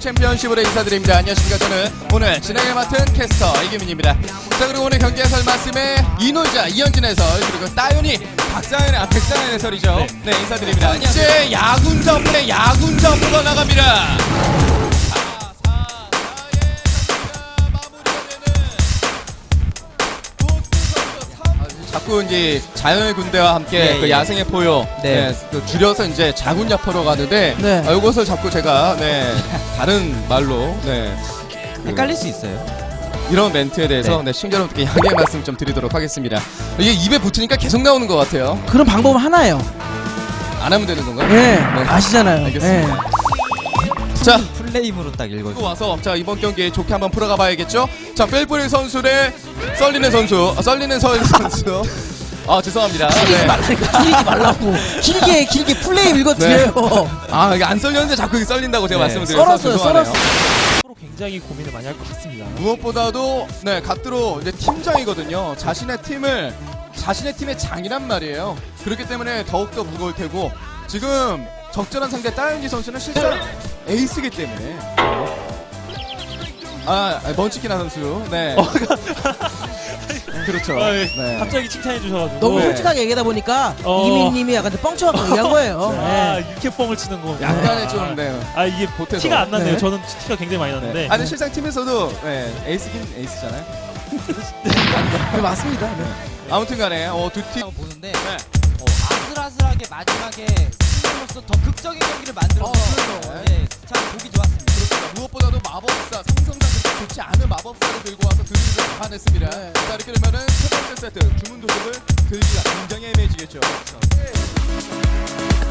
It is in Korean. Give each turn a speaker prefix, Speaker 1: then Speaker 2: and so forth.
Speaker 1: 챔피언십으로 인사드립니다. 안녕하십니까. 저는 오늘 진행을 맡은 캐스터 이규민입니다. 자, 그리고 오늘 경기 해설 말씀에 이놀자 이현진 해설, 그리고 따윤이 백상현 해설이죠. 네, 인사드립니다. 이제 야군 전문의 야군 전문가 나갑니다. 자꾸 이제 자연의 군대와 함께 그 야생의 포효 그 줄여서 이제 자군야포로 가는데 이것을 자꾸 제가 다른 말로
Speaker 2: 헷갈릴 수 있어요.
Speaker 1: 이런 멘트에 대해서 시청자 여러분께 양해의 말씀 좀 드리도록 하겠습니다. 이게 입에 붙으니까 계속 나오는 것 같아요.
Speaker 3: 그런 방법은 하나예요.
Speaker 1: 안 하면 되는 건가요?
Speaker 3: 네, 아시잖아요.
Speaker 1: 알겠습니다.
Speaker 3: 네.
Speaker 1: 자,
Speaker 2: 풀네임으로 딱 읽어주세요.
Speaker 1: 와서 자 이번 경기 좋게 한번 풀어가 봐야겠죠. 자, 펠프리 선수 대 썰리는 선수. 썰리는 선수. 아, 죄송합니다.
Speaker 3: 길리지 말라니까. 길리지 말라고. 길게 플레이 읽어드려요.
Speaker 1: 아, 이게 안 썰렸는데 자꾸 이게 썰린다고 제가 말씀을 드려서
Speaker 3: 썰었어요,
Speaker 1: 죄송하네요.
Speaker 4: 서로 굉장히 고민을 많이 할 것 같습니다.
Speaker 1: 무엇보다도 갓드로 이제 팀장이거든요. 자신의 팀의 장이란 말이에요. 그렇기 때문에 더욱더 무거울 테고, 지금 적절한 상대 따윤지 선수는 실제로 에이스이기 때문에 먼치키나 선수 그렇죠.
Speaker 4: 갑자기 칭찬해 주셔가지고
Speaker 3: 너무 솔직하게 얘기하다 보니까 이민님이 약간 좀 뻥쳐갖고 얘기한 거예요.
Speaker 4: 이렇게 뻥을 치는 거.
Speaker 1: 약간의 좀
Speaker 4: 이게
Speaker 1: 보태서.
Speaker 4: 티가 안 났네요.
Speaker 3: 네.
Speaker 4: 저는 티가 굉장히 많이 났는데.
Speaker 1: 아니 실상 팀에서도 에이스긴 에이스잖아요.
Speaker 3: 네, 맞습니다. 네.
Speaker 1: 아무튼간에 두 팀
Speaker 2: 보는데 아슬아슬하게 마지막에 승리로서 더 극적인 경기를 만들어서 참 보기 좋았습니다.
Speaker 1: 무엇보다도 마법사 상성상 그렇게 좋지 않은 마법사를 들고 와서 드리블을 잡아냈습니다. 자, 이렇게 되면은 첫 번째 세트 주문 도둑을 들기가 굉장히 애매해지겠죠.